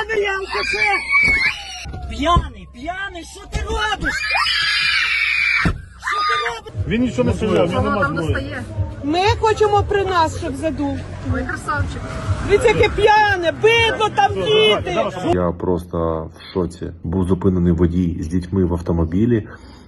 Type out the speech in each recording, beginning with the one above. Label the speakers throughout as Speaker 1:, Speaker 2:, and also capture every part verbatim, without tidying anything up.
Speaker 1: П'яний алкаше! П'яний, п'яний, що ти робиш? Що ти робиш?
Speaker 2: Він нічого не стріляв, він не
Speaker 3: там
Speaker 2: мав.
Speaker 3: достає.
Speaker 4: Ми хочемо при нас, щоб задув.
Speaker 3: Ой, красавчик.
Speaker 4: Дивіться, яке п'яне, бидло там діти.
Speaker 5: Я просто в шоці. Був зупинений водій з дітьми в автомобілі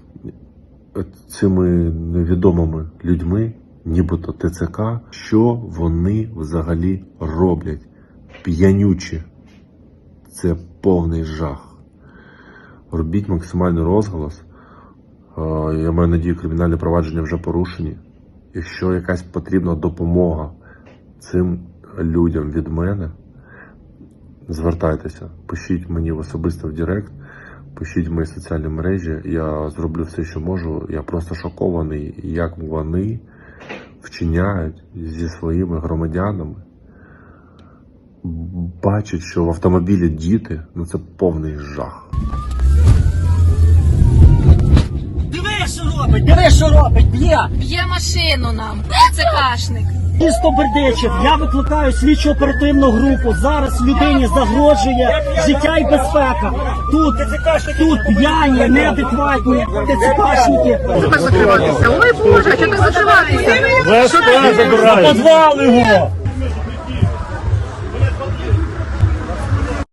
Speaker 5: цими невідомими людьми, нібито ТЦК. Що вони взагалі роблять? П'янючі. Це повний жах. Робіть максимальний розголос. Я маю надію, кримінальні провадження вже порушені. Якщо якась потрібна допомога цим людям від мене, звертайтеся, пишіть мені особисто в Директ, пишіть в мої соціальні мережі, я зроблю все, що можу. Я просто шокований, як вони вчиняють зі своїми громадянами. Бачать, що в автомобілі діти, ну це повний жах.
Speaker 1: Диви, що робить, диви, що робить, б'є!
Speaker 3: Б'є машину нам. Це кашник.
Speaker 1: Місто Бердичів, я викликаю слідчо оперативну групу. Зараз людині загрожує життя і безпека. Тут, тут п'яні, неадекватні ТЦКшники.
Speaker 3: Закриватися. Ой, Боже, а чого ти закриватися?
Speaker 2: ВСП забирає.
Speaker 1: Подвал його!